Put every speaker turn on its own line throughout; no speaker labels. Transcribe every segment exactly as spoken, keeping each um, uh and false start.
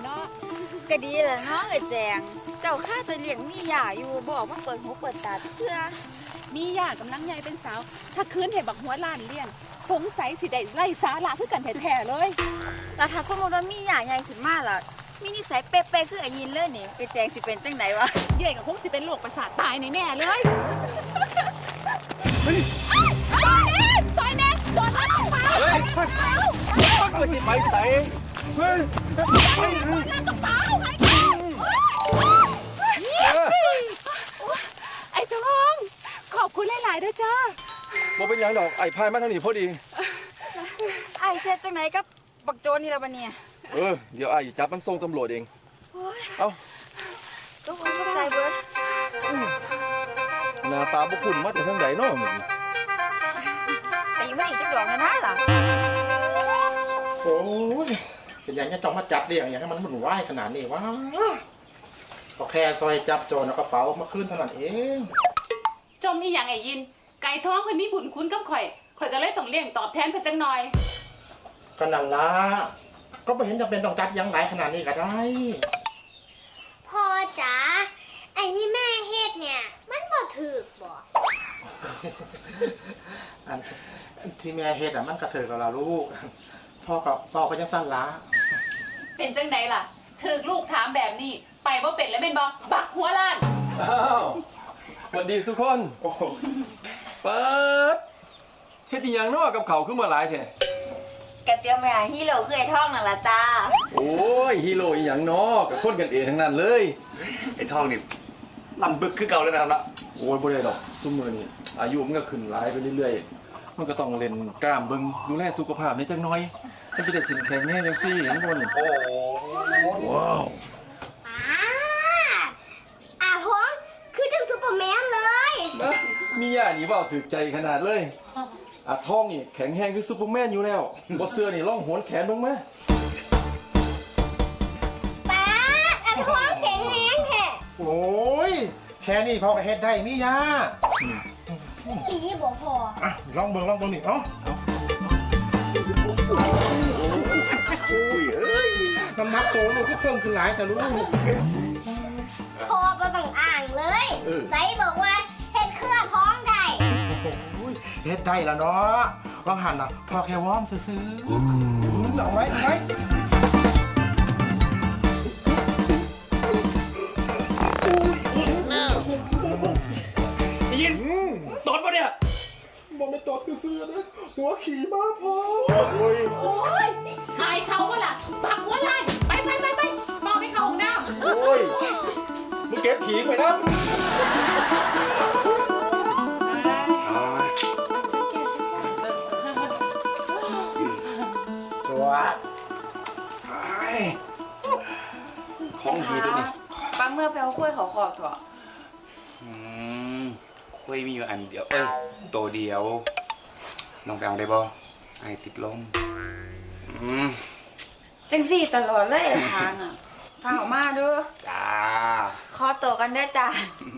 นาะ
ก็ดีแหละเนาะไอ้แจงเจ้าข้าจะเลี้ยงมีหย่าอยู่บอกว่าเปิดหูเปิดตาเพื่อ
มีญาติกำลังใหญ่เป็นสาวถ้าคืนเห็นบักหัวล้านเลี้ยงสงสัยสิได้ไล่สาระคือกันแท้ๆเลย
แล้วถ้าสมมติว่ามีหย่าใหญ่ขึ้นมาล่ะมีนิสัยเป๊ะๆคือไอ้ยินเลยนี่ไอ้แจงสิเป็นจังไหนวะ
เย่ยกับคงสิเป็นโรคประสาทตายแน่ๆเลยซอยแน่โดนแล้วเปล่าเฮ้ย
ก็สิไปใส่เฮ้ยไปเลย
กระเป๋าไอ้ทองขอบคุณหลายๆด้วยจ้า
บ่เป็นยังดอกไอ้พายมาทางนี้พอดี
ไอ้เซ็ตจังไหนกับบักโจนี่ละบัดเนี่ย
เออเดี๋ยวไอ้จับมันส่งตำรวจเองเอ้า
ก็คงเข้าใจเบิร์ด
หน้าตาบุคุณมาแต่ทางไหนเนาะมึง
แต่ยังไม่อีกจักดอกนะนะล่ะ
โอ้ยเป็นอย่างนี้จองมาจับเรียงอย่างนี้มันหมุนไหวขนาดนี้วะก็แค่ซอยจับโจรเอากระเป๋ามาขึ้นเท่านั้นเอง
จมอีหยังไอ้ยินไก่ท้องคนนี้บุญคุณกับข่อยข่อยก็เลยต้องเลี้ยงตอบแทนเพิ่นจังหน่อย
ขนาดละก็ไม่เห็นจำเป็นต้องจัดยังไหนขนาดนี้ก็ได้
พ่อจ๋าไอ้ที่แม่เฮ็ดเนี่ยมันบ่ถูกบ่
อันที่แม่เฮ็ดอ่ะมันกระเถิดเราลูกพ่อกับพ่อก็ยังสั้นละ
เป็นจังไดล่ะถูกลูกถามแบบนี้ไปบ่เป็นแล้วเป็นบ่บักหัวล้าน
อ้าวสวัสดีทุกคน
โอ้
เปิดเฮ็ดอีหยังเนาะกับเขาขึ้นมาหลายแท้
กะเตรียมไปหาฮีโร่คือไอ้ท่องนั่นล่ะจ้า
โอ้ยฮีโร่อีหยังเนาะกับคนกันเองทั้งนั้นเลย
ไอ้ทองนี่ลำบึกคือเก่าแล้วนะครับนะ
โอ้ยบ่ได้ดอกซุมื้อนี้อายุมันก็ขึ้นหลายไปเรื่อยๆมันก็ต้องเล่นกล้ามเบิ่งดูแลสุขภาพในจังน้อยมันจะได้สินแข็งแน่จังซี่เห็นบ่นี่
โอ้
ว้าว
อ่าอาท้องคือจังซุปเปอร์แมนเลย
มีย่านี่เว้าถูกใจขนาดเลยอาท้องนี่แข็งแรงคือซุปเปอร์แมนอยู่แล้วบ่เสื้อนี่ลองโหนแขนเบิ่งมา
ป้าอาท้องแข็งแรงแท้
โอ้ยแค่นี้พ่อก็เฮ็ดได้มียา
ปีบ่พอ
อ่ะลองเบิ่งลองเบิ่งนี่เอ้าโอ้ยเอ้ยน้ำหนักโตลูกก็เพิ่มขึ้นหลายแต่ลูก
พ่อก็ต้องอ่างเลยไซบอกว่าเฮ็ดเครื่องท้องได้
เฮ็ดได้แล้วเนาะว่างหันอ่ะพอแค่วอร์มซื้อๆเอาไหมเอาไหม
ยินตดปะเนี่ย
บอกไม่ตดซื้อนะหัวขี่มาพอโอ้ย
โอ้ยอายเขาก็ล่ะบักหัวล้านไปไปไปไปมองไปเข้าห้องน้ำ
โอ้ยมึงเก็บผีไปนะ
ตัว
ของดีตัวนี้
ปังเมื่อไปเอากล้วยเขาขอกเถอะ
อืมคุยมีอยู่อันเดียวเออตัวเดียวน้องไปเอาได้บ่ไอ้ติดลมอืม
จังสี่ตลอดเลยทางอ่ะทางออกมาด้วย
จ้า
ขอตัวกันได้จ้า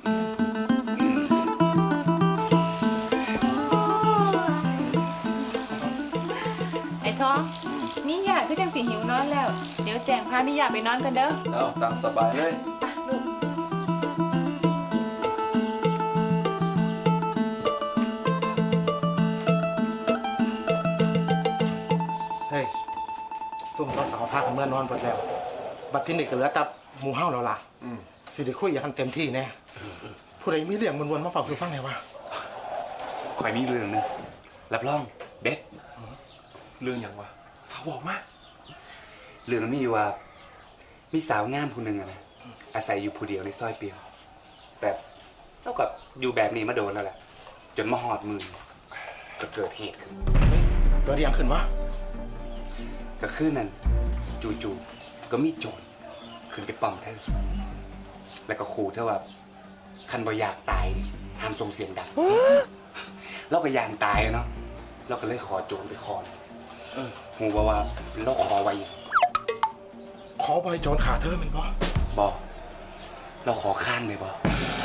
ไอ้ท้องมีอยากคือจังสิหิวนอนแล้วเดี๋ยวแจงพามีอยากไปนอนกันเด้อ
เอาตามสบายเลย
ลูก
เฮ้ยซุ่มสาวๆพากันเมื่อนอนหมดแล้วบัดที่นี่ก็เหลือแต่หมู่เฮาแล้วล่ะสิได้คุยอย่างเต็มที่แน่ผู้ใดมีเรื่องวนๆมาฝากสู่ฟังหน่อยวะ
ข่อยมีเรื่องนึงรับรองเด็ด
เรื่องอย่างวะฝากบอกมา
เรื่องมีอยู่ว่ามีสาวงามคนหนึ่งอะนะอาศัยอยู่ผู้เดียวในซอยเปียวแต่เราก็อยู่แบบนี้มาโดนแล้วแหละจนมาหอดมือก็เกิดเหตุขึ้น
เกิดอย่างขึ้นวะ
ก็คือนั่นจู่ๆก็มีโจรขึ้นไปปั๊มเธอแล้วก็ขู่เธอว่าคันบ่อยากตายห้ามส่งเสียงดังเราก็ยางตายเนาะเราก็เลยขอโจรไปขอหูว่าว่าเราขอไว้
ขอใบโจรขาเธอมันบ่
บอกเราขอข้างเลยบ่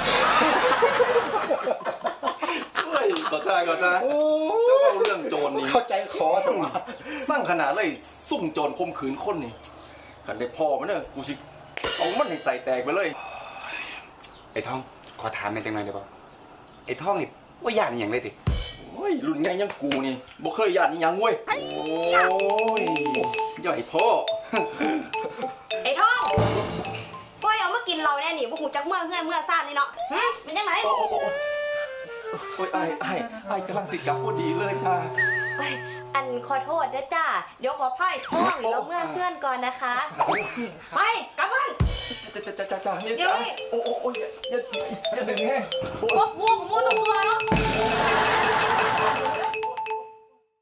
เฮ้ยขอทายขอทายเจ้าเรื่องโจรนี่
เข้าใจขอจังวะ
สร้างขนาดเลยซุ่มโจรข่มขืนคนนี่ขันได้พ่อมันเนอะกูสิเอามันให้ใส่แตกไปเลย
ไอ้ท่องขอถามในอยจังหน่อยได้ป่ไอ้ท่องนี่ว่าย่านอหย่างเลยติ
โอ้ยรุ่นไงยังกูนี่บ่เคยญาตินี่ยังเว้ยโอ้ยใหญ่พ่อ
ไอ้ท่องปล่อยเอามากินเราแน่นี่บ่หูจักเมื่อเฮือนเมื่อซ่านนี่เนาะหึเป็นจังไง
โอ้โอ้โอ้โอ้ยไอ้ไอ้ไอ้กำลังสิกลับพอดีเลยจ้า
เอ้ยอันขอโทษนะจ้าเดี๋ยวขอพ่ายท่องเราเมื่อเฮือนก่อนนะคะไปกลับบ้าน
จ้าจ้าจ้าจ้าจ้าเนี่ย
เดี๋ยว
จ้า
นี่
โอ้โอ้โอ้ยอย่าอย่าอย่าดึงแห้ง
พวกมูของมูตัวตัวเนาะ